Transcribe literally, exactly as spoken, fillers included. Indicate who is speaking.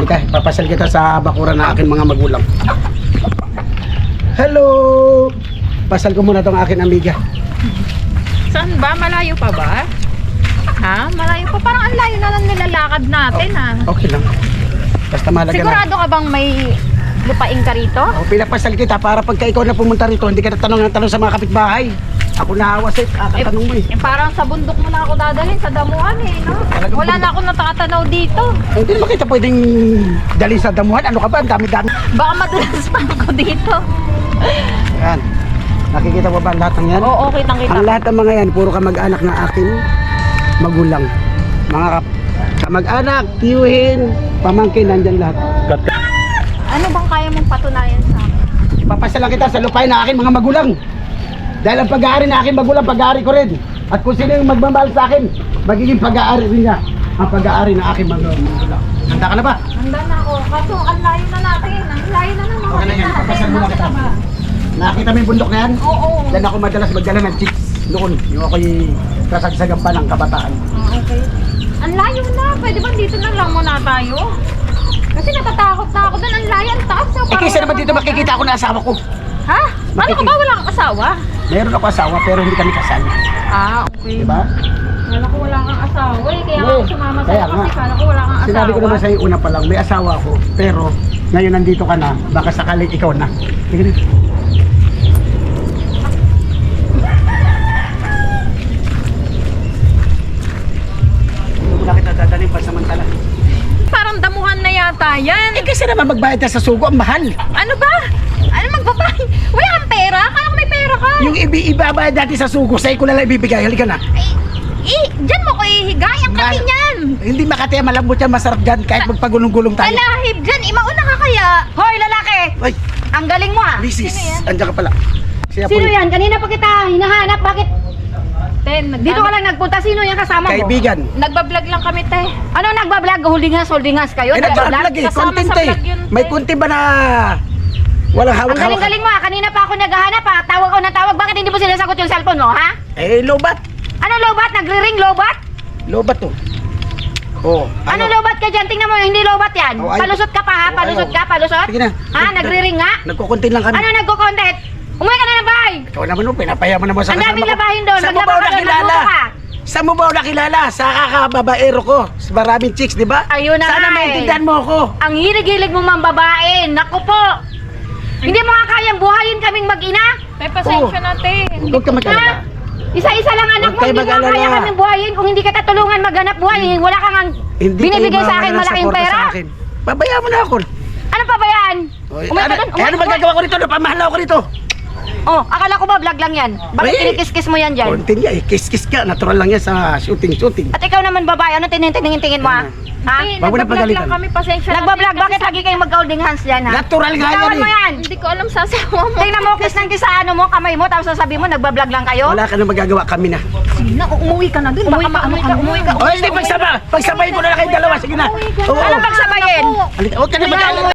Speaker 1: Halika, papasal kita sa bakuran ng aking mga magulang. Hello! Pasal ko muna tong aking amiga.
Speaker 2: Saan ba? Malayo pa ba? Ha? Malayo pa? Parang ang layo na lang nilalakad natin ha.
Speaker 1: Okay lang. Basta malaga na.
Speaker 2: Sigurado ka bang may lupain ka rito?
Speaker 1: O, pinapasal kita para pagka ikaw na pumunta rito, hindi ka natanong ng tanong sa mga kapitbahay. Ako nahawa sa'yo, kakatanong mo eh.
Speaker 2: Eh parang sa bundok mo na ako dadalhin, sa damuhan eh, no?
Speaker 1: Talagang
Speaker 2: Wala na
Speaker 1: bundok.
Speaker 2: akong natatanaw dito.
Speaker 1: Hindi naman kita pwedeng dali sa damuhan. Ano ka ba? Ang dami-dami.
Speaker 2: Baka madulas pa ako dito.
Speaker 1: Yan. Nakikita mo ba ang lahat ng yan?
Speaker 2: Oo, kitang-kita.
Speaker 1: Ang lahat ng mga yan, puro kamag-anak ng aking magulang. Mga kap- kamag-anak, tiyuhin, pamangkin, nandyan lahat.
Speaker 2: Ano bang kaya mong patunayan sa akin?
Speaker 1: Papasalan kita sa lupain ng aking mga magulang. Dahil ang pag-aari ng aking magulang, pag-aari ko rin. At kung sino yung magmamahal sa akin, magiging pag-aari rin niya ang pag-aari ng aking mga magulang. Handa ka na ba?
Speaker 2: Handa na ako. Kaso ang layo na natin. Ang layo na naman.
Speaker 1: Okay na yan, papasal muna kita.
Speaker 2: Nakita ba?
Speaker 1: Nakita mo yung bundok na yan?
Speaker 2: Oo.
Speaker 1: Diyan ako madalas magdala ng chicks noon. Yung ako'y kasagsagan pa ng kabataan.
Speaker 2: Ah, okay. Ang layo na. Pwede ba dito na lang muna tayo? Kasi natatakot na ako doon. Ang layo, ang taas.
Speaker 1: Eh kaysa naman dito makikita ako na asawa ko.
Speaker 2: Ha? Ano ka ba? Wala kang asawa?
Speaker 1: Meron ako asawa pero hindi kami kasal.
Speaker 2: Ah, okay.
Speaker 1: Diba?
Speaker 2: Kala ko wala kang asawa eh. Kaya
Speaker 1: Oo,
Speaker 2: ako sumama
Speaker 1: kaya
Speaker 2: sa'yo
Speaker 1: nga.
Speaker 2: kasi kala ko wala kang asawa.
Speaker 1: Sinabi ko naman sa'yo una pa lang, may asawa ako. Pero ngayon nandito ka na, baka sakaling ikaw na. Tingnan dito. Hindi mo na kita dadaling pansamantala.
Speaker 2: Parang damuhan na yata yan.
Speaker 1: Eh kasi naman magbayad ka sa sugo, ang mahal.
Speaker 2: Ano ba? Ano magbabayad? Wala kang pera? Kala ko may pera ka.
Speaker 1: Yung ibi ibabayad natin sa sugo, sa'yo ko na lang ibibigay. Halika na.
Speaker 2: Ay, eh, dyan mo ko ihigay ang kasi
Speaker 1: Ma-
Speaker 2: niyan.
Speaker 1: Hindi makati, malambot yan, masarap dyan kahit magpagulong-gulong tayo.
Speaker 2: Malahib dyan. Imauna ka kaya. Hoy, lalaki!
Speaker 1: Ay,
Speaker 2: Ang galing mo ah.
Speaker 1: misis,
Speaker 2: Sino yan?
Speaker 1: andyan ka pala. Siya po
Speaker 3: Sino
Speaker 1: yung
Speaker 3: yan? Kanina pa kita hinahanap. Bakit
Speaker 2: Ten, nag-
Speaker 3: dito ka lang nagpunta? Sino yung kasama mo?
Speaker 1: kaibigan.
Speaker 2: Nagbablog lang kami, te.
Speaker 3: Ano nagbablog? Holding hands, holding hands kayo?
Speaker 1: Eh, nagbablog eh,
Speaker 2: Kasama
Speaker 1: content
Speaker 2: sa
Speaker 1: eh.
Speaker 2: vlog yun,
Speaker 1: May
Speaker 2: te.
Speaker 1: kunti ba na walang
Speaker 3: Ang
Speaker 1: hawak-hawak?
Speaker 3: galing-galing mo ah. Kanina pa ako naghahanap ah. Tawag ko na tawag. Bakit hindi mo sinasagot yung cellphone mo, ha?
Speaker 1: Eh, lobat.
Speaker 3: Ano lobat? Nagre-ring lobat?
Speaker 1: Lobat to. Oh,
Speaker 3: Ano, lobat ka dyan? Tingnan mo, hindi lobat yan.
Speaker 1: Oh, ayaw.
Speaker 3: Palusot ka pa ha?
Speaker 1: Oh,
Speaker 3: Palusot
Speaker 1: ayaw.
Speaker 3: ka? Palusot?
Speaker 1: Sige na.
Speaker 3: Ha? Nagre-ring nga?
Speaker 1: Nagkukuntin lang kami.
Speaker 3: Ano nagko-content? Umuwi ka na ng bahay!
Speaker 1: Ikaw naman mo, pinapayaman naman sa
Speaker 3: Ang daming
Speaker 1: ko.
Speaker 3: labahin doon.
Speaker 1: Saan mo ba
Speaker 3: Maglaba
Speaker 1: ako
Speaker 3: ka doon,
Speaker 1: nakilala?
Speaker 3: magluto ka.
Speaker 1: Saan mo ba ako nakilala? Sa kakababaero ko. Sa maraming chicks, di ba?
Speaker 3: Ayun na
Speaker 1: Sana
Speaker 3: nga eh.
Speaker 1: maintindihan mo ako.
Speaker 3: Ang hilig-hilig mo mang babae. Naku po! Hindi mo nga kayang buhayin kaming mag-ina?
Speaker 2: May pasensya na, te.
Speaker 1: Huwag ka mag-alala.
Speaker 3: Isa-isa lang anak
Speaker 1: Huwag
Speaker 3: mo,
Speaker 1: kayo
Speaker 3: hindi mo nga
Speaker 1: mag-alala.
Speaker 3: kaya kaming buhayin. Kung hindi kita tulungan maghanap buhay, wala kang ang
Speaker 1: Hindi
Speaker 3: binibigay
Speaker 1: kayo
Speaker 3: sa akin
Speaker 1: mawawalan ng
Speaker 3: malaking
Speaker 1: suporta
Speaker 3: pera.
Speaker 1: sa akin. Pabayaan mo na ako.
Speaker 3: Ano pa ba yan?
Speaker 1: Oy,
Speaker 3: Umuwi
Speaker 1: ano,
Speaker 3: ka doon,
Speaker 1: eh,
Speaker 3: umuwi,
Speaker 1: ano
Speaker 3: umuwi.
Speaker 1: magagawa ko rito? Napamahal ako rito.
Speaker 3: Oh, akala ko ba vlog lang yan? Bakit
Speaker 1: Oy.
Speaker 3: kinikis-kis mo yan dyan?
Speaker 1: Konti niya eh. Kiss-kiss ka. Natural lang yan sa shooting-shooting.
Speaker 3: At ikaw naman babae, ano tinitingin-tingin mo ha? Ha?
Speaker 2: Te,
Speaker 1: Wag mo na
Speaker 2: nagbablog
Speaker 1: pagalitan.
Speaker 2: lang kami. Pasensya na, te,
Speaker 3: Nagbablog,
Speaker 2: kasi
Speaker 3: bakit lagi kayong mag-holding hands dyan ha?
Speaker 1: Natural nga
Speaker 3: Bitawan
Speaker 1: yan
Speaker 3: mo
Speaker 1: eh.
Speaker 3: yan!
Speaker 2: Hindi ko alam sasawa mo.
Speaker 3: Tingnan mo, kiss ng kiss sa ano mo, kamay mo, tapos sasabihin mo, nagbablog lang kayo?
Speaker 1: Wala ka na magagawa, kami na.
Speaker 2: Sige na, umuwi ka na dun.
Speaker 3: Umuwi
Speaker 2: Baka
Speaker 3: ka,
Speaker 2: maano
Speaker 3: umuwi
Speaker 2: ka,
Speaker 3: ka,
Speaker 2: umuwi ka.
Speaker 1: O hindi, pagsama. Pagsabayin ko na lang kayong dalawa. Sige na. Oo.
Speaker 3: Ano pagsabayin?
Speaker 1: Halika, huwag ka na mag-alala.